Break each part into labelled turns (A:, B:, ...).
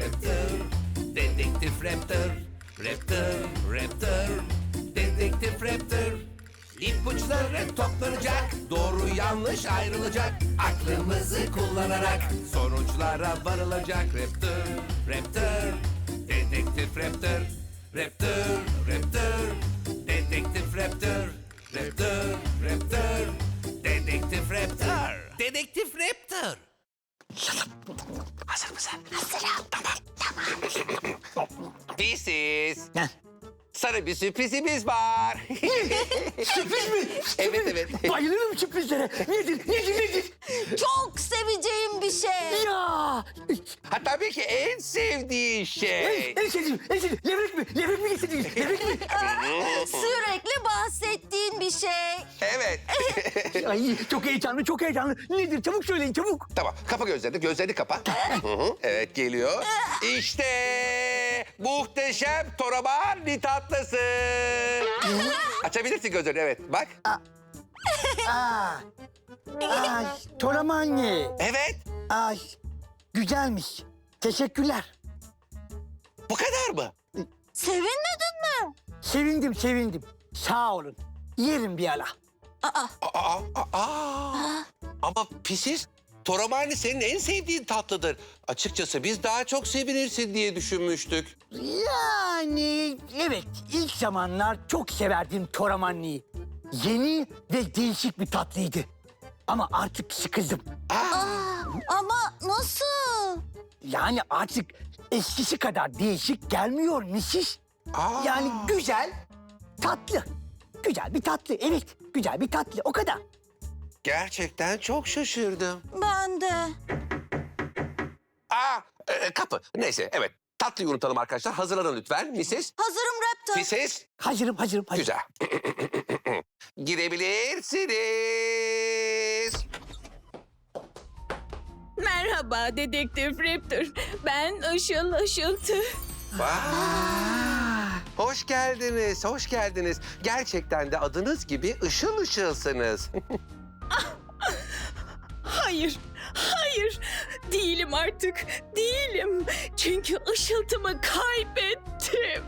A: Raptor, Dedektif Raptor, Raptor, Raptor, Dedektif Raptor. İpuçları toplanacak, doğru yanlış ayrılacak. Aklımızı kullanarak sonuçlara varılacak. Raptor, Raptor, Dedektif Raptor, Raptor, Raptor, Dedektif Raptor, Raptor, Raptor, Dedektif Raptor, Dedektif Raptor. Hazır mısın?
B: Hazırım. Tamam.
A: Pisiz.
C: Heh.
A: Sana bir sürprizimiz var.
C: Sürpriz mi?
A: Evet.
C: Bayılırım sürprizlere. Nedir?
B: Çok seveceğim bir şey.
C: Ya!
A: Ha tabii ki en sevdiği şey.
C: En sevdiğim. Levrek mi getirdiniz? Levrek mi?
B: Sürekli bahsettiğin bir şey.
A: Evet.
C: Ay çok heyecanlı. Nedir? Çabuk söyleyin, çabuk.
A: Tamam, kapa gözlerini kapa. Hı hı, evet, geliyor. İşte muhteşem toraman tatlısı. Açabilirsin gözlerini, evet. Bak.
C: Ay, toramanne.
A: Evet,
C: Ay, güzelmiş. Teşekkürler.
A: bu kadar mı?
B: Sevinmedin mi?
C: Sevindim. Sağ olun. Yerim bir ara.
A: Ama pisiz, toramani senin en sevdiğin tatlıdır. Açıkçası biz daha çok sevinirsin diye düşünmüştük.
C: Yani evet, ilk zamanlar çok severdim toramanniyi. Yeni ve değişik bir tatlıydı. Ama artık sıkıldım.
B: Ama nasıl?
C: Yani artık eskisi kadar değişik gelmiyor Mrs. Yani güzel, tatlı. Güzel bir tatlı, evet. Güzel bir tatlı, o kadar.
A: Gerçekten çok şaşırdım.
B: Ben de.
A: Kapı. Neyse, evet. Tatlıyı unutalım arkadaşlar. Hazırlanın lütfen. Mrs.
B: Hazırım Raptor.
A: Mrs.
C: Hazırım.
A: Güzel. Girebilirsiniz.
D: Merhaba Dedektif Raptor. Ben Işıl Işıltı.
A: Hoş geldiniz. Gerçekten de adınız gibi ışıl ışılsınız.
D: Hayır. Değilim artık. Değilim. Çünkü ışıltımı kaybettim.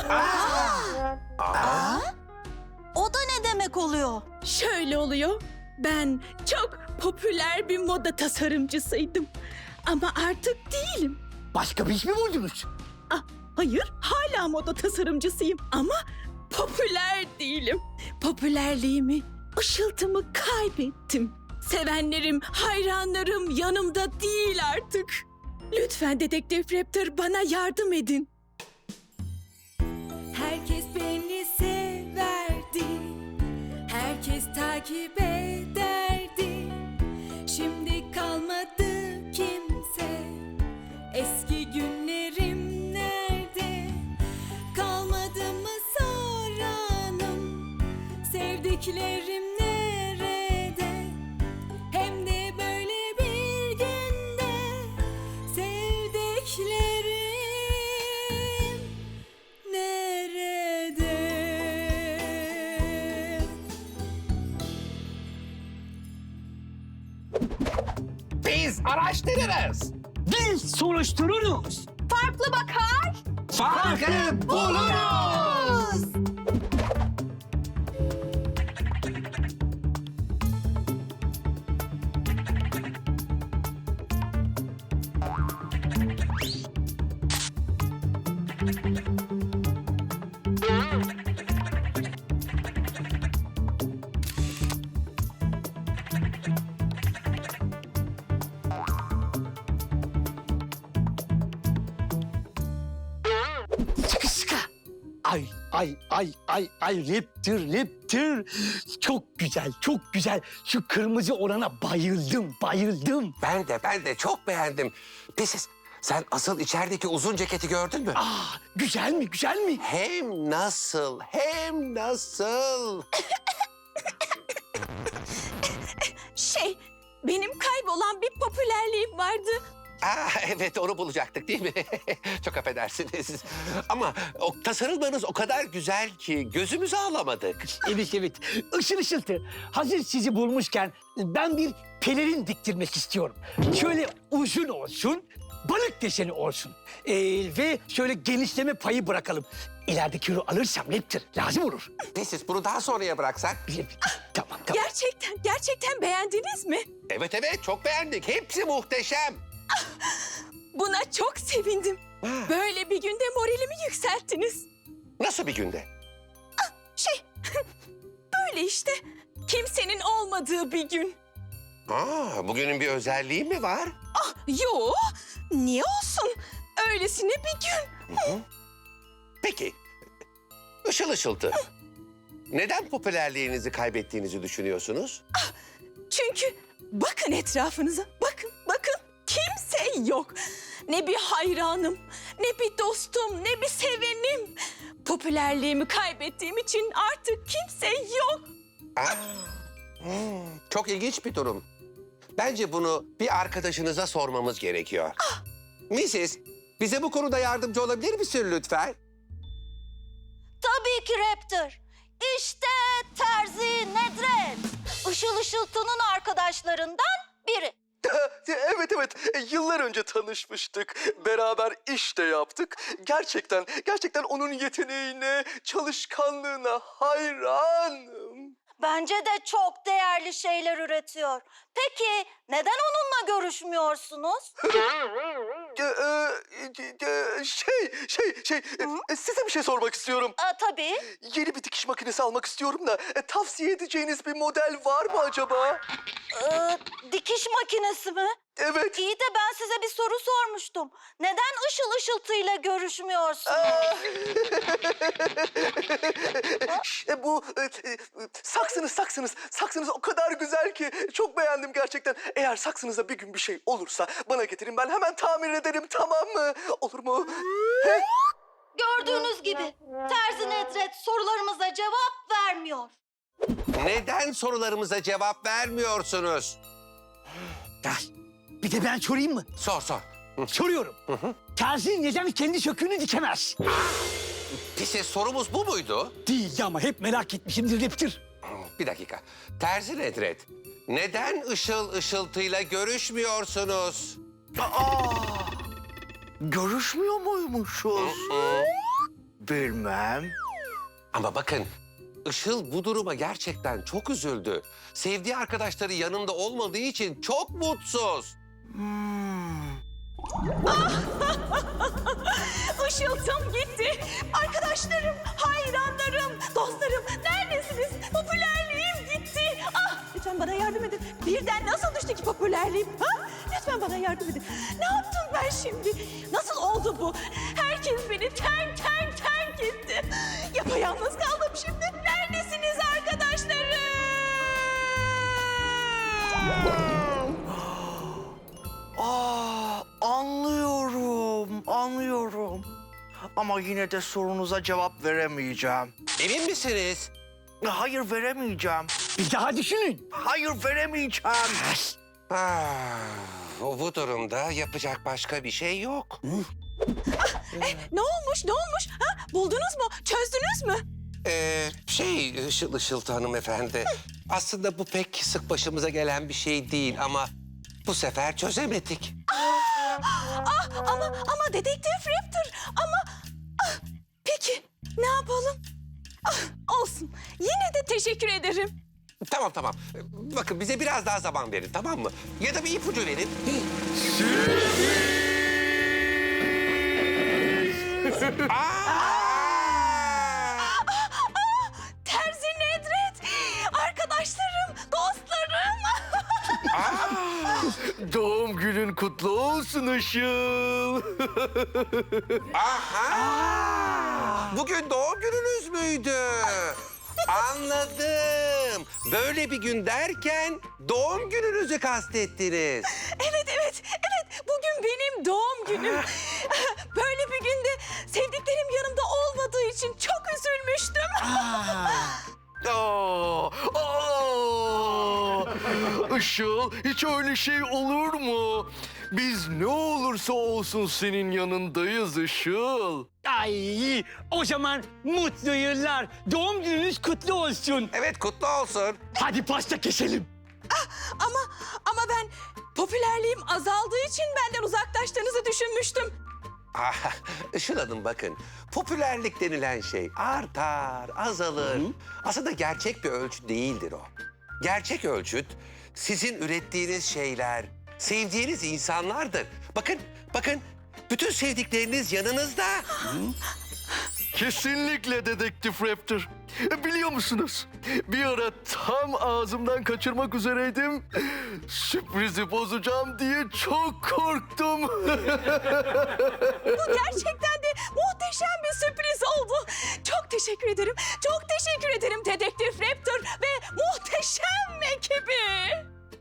B: O da ne demek oluyor?
D: Şöyle oluyor. Ben çok popüler bir moda tasarımcısıydım. Ama artık değilim.
C: Başka bir iş mi buldunuz?
D: Hayır, hala moda tasarımcısıyım ama popüler değilim. Popülerliğimi, ışıltımı kaybettim. Sevenlerim, hayranlarım yanımda değil artık. Lütfen Dedektif Raptor bana yardım edin. Herkes beni severdi. Herkes takip ederdi. Şimdi kalmadı kimse. Eski günlerim nerede? Kalmadı mı soranım? Sevdiklerim nerede? Hem de böyle bir günde. Sevdiklerim nerede?
A: Biz araştırırız.
C: Biz soruştururuz.
B: Farklı bakar.
A: Farkı buluruz.
C: Sıkı. Ay Raptor. Çok güzel. Şu kırmızı olana bayıldım.
A: Ben de çok beğendim. Pisiz, sen asıl içerideki uzun ceketi gördün mü?
C: Güzel mi?
A: Hem nasıl.
D: Benim kaybolan bir popülerliğim vardı.
A: Evet, onu bulacaktık değil mi? Çok affedersiniz. Ama tasarımlarınız o kadar güzel ki gözümüzü alamadık.
C: Evet. Işıltı. Hazır sizi bulmuşken ben bir pelerin diktirmek istiyorum. Şöyle uzun olsun, balık deseni olsun. Ve şöyle genişleme payı bırakalım. İleride kilo alırsam Raptor lazım olur.
A: Neyse bunu daha sonraya bıraksak.
C: Tamam.
D: Gerçekten beğendiniz mi?
A: Evet çok beğendik. Hepsi muhteşem.
D: Buna çok sevindim. Böyle bir günde moralimi yükselttiniz.
A: Nasıl bir günde?
D: Böyle işte. Kimsenin olmadığı bir gün.
A: Bugünün bir özelliği mi var?
D: Yo, niye olsun? Öylesine bir gün.
A: Peki. Işıl ışıltı. Neden popülerliğinizi kaybettiğinizi düşünüyorsunuz?
D: Çünkü bakın etrafınıza. Bakın. Kimse yok. Ne bir hayranım, ne bir dostum, ne bir sevenim. Popülerliğimi kaybettiğim için artık kimse yok.
A: Çok ilginç bir durum. Bence bunu bir arkadaşınıza sormamız gerekiyor. Mrs. Bize bu konuda yardımcı olabilir misin lütfen?
B: Tabii ki Raptor. İşte Terzi Nedret. Işıl Işıltı'nın arkadaşlarından biri.
E: Evet. Yıllar önce tanışmıştık. Beraber iş de yaptık. Gerçekten onun yeteneğine, çalışkanlığına hayranım.
B: Bence de çok değerli şeyler üretiyor. Peki neden onunla görüşmüyorsunuz?
E: Size bir şey sormak istiyorum.
B: Tabii.
E: Yeni bir dikiş makinesi almak istiyorum da tavsiye edeceğiniz bir model var mı acaba?
B: Dikiş makinesi mi?
E: Evet.
B: İyi de ben size bir soru sormuştum. Neden Işıl Işıltı'yla görüşmüyorsunuz?
E: Bu saksınız o kadar güzel ki çok beğendim gerçekten. Eğer saksınıza bir gün bir şey olursa bana getirin, ben hemen tamir ederim, tamam mı? Olur mu?
B: Gördüğünüz gibi Terzi Nedret sorularımıza cevap vermiyor.
A: Neden sorularımıza cevap vermiyorsunuz?
C: Bir de ben sorayım mı?
A: Sor.
C: Soruyorum. Terzi neden kendi söküğünü dikemez?
A: Peki sorumuz bu muydu?
C: Değil ama hep merak etmişimdir Raptor.
A: Bir dakika. Terzi Nedret. Neden Işıl Işıltı'yla görüşmüyorsunuz?
E: Görüşmüyor muymuşuz? Bilmem.
A: Ama bakın, Işıl bu duruma gerçekten çok üzüldü. Sevdiği arkadaşları yanında olmadığı için çok mutsuz.
D: Işıltım gitti. Arkadaşlarım, hayranlarım, dostlarım neredesiniz? Popülerliğim gitti. Lütfen bana yardım edin. Birden nasıl düştü ki popülerliğim? Lütfen bana yardım edin. Ne yaptım ben şimdi? Nasıl oldu bu? Herkes beni terk etti. Yapayalnız kaldım şimdi. Neredesiniz arkadaşlarım?
E: Anlıyorum. Ama yine de sorunuza cevap veremeyeceğim.
A: Emin misiniz?
E: Hayır, veremeyeceğim.
C: Bir daha düşünün.
E: Hayır, veremeyeceğim.
A: Bu durumda yapacak başka bir şey yok.
D: Ne olmuş? Buldunuz mu? Çözdünüz mü?
A: Işıl Işıltı hanımefendi. Aslında bu pek sık başımıza gelen bir şey değil ama bu sefer çözemedik.
D: Ama dedektif Raptor. Peki ne yapalım? Olsun. Yine de teşekkür ederim.
A: Tamam. Bakın bize biraz daha zaman verin, tamam mı? Ya da bir ipucu verin.
D: Terzi Nedret. Arkadaşlarım, dostlarım.
E: Doğum günün kutlu olsun Işıl.
A: Bugün doğum gününüz müydü? Anladım. Böyle bir gün derken doğum gününüzü kastettiniz.
D: Evet. Bugün benim doğum günüm. Böyle bir günde sevdiklerim yanımda olmadığı için çok üzülmüştüm.
E: Işıl, hiç öyle şey olur mu? Biz ne olursa olsun senin yanındayız Işıl.
C: Ay, o zaman mutlu yıllar. Doğum gününüz kutlu olsun.
A: Evet, kutlu olsun.
C: Hadi pasta keselim.
D: Ama ben popülerliği popülerliğim azaldığı için benden uzaklaştığınızı düşünmüştüm.
A: Ah, Işıl Hanım bakın, popülerlik denilen şey artar, azalır. Aslında gerçek bir ölçüt değildir o. Gerçek ölçüt sizin ürettiğiniz şeyler, sevdiğiniz insanlardır. Bakın, bütün sevdikleriniz yanınızda.
E: Kesinlikle Dedektif Raptor. Biliyor musunuz? Bir ara tam ağzımdan kaçırmak üzereydim. Sürprizi bozacağım diye çok korktum.
D: Bu gerçekten de muhteşem bir sürpriz oldu. Çok teşekkür ederim. Çok teşekkür ederim Dedektif Raptor ve muhteşem ekibi.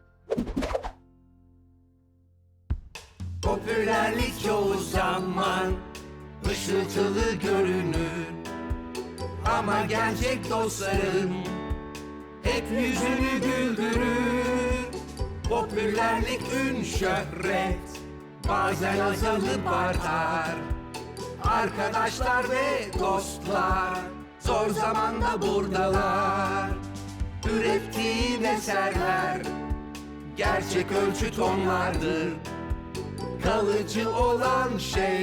F: Popülerlik çoğu zaman ışıltılı görünür, ama gerçek dostların hep yüzünü güldürür. Popülerlik, ün, şöhret bazen azalıp artar. Arkadaşlar ve dostlar zor zamanda buradalar. Ürettiğin eserler gerçek ölçüt onlardır, kalıcı olan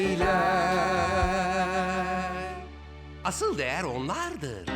F: şeyler.
A: Asıl değer onlardır.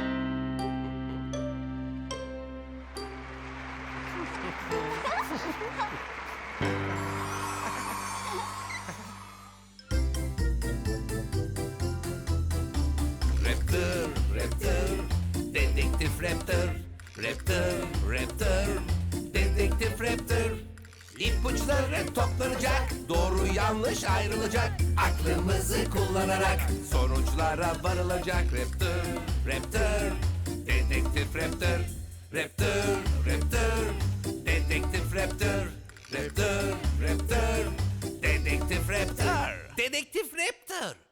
F: Raptor, Raptor, Dedektif Raptor. Raptor, Raptor, Dedektif Raptor. İpuçları toplanacak, doğru yanlış ayrılacak. Aklımızı kullanarak sonuçlara varılacak. Raptor, Raptor, Dedektif Raptor. Raptor, Raptor, Dedektif Raptor. Raptor, Raptor, Dedektif Raptor. Dedektif Raptor.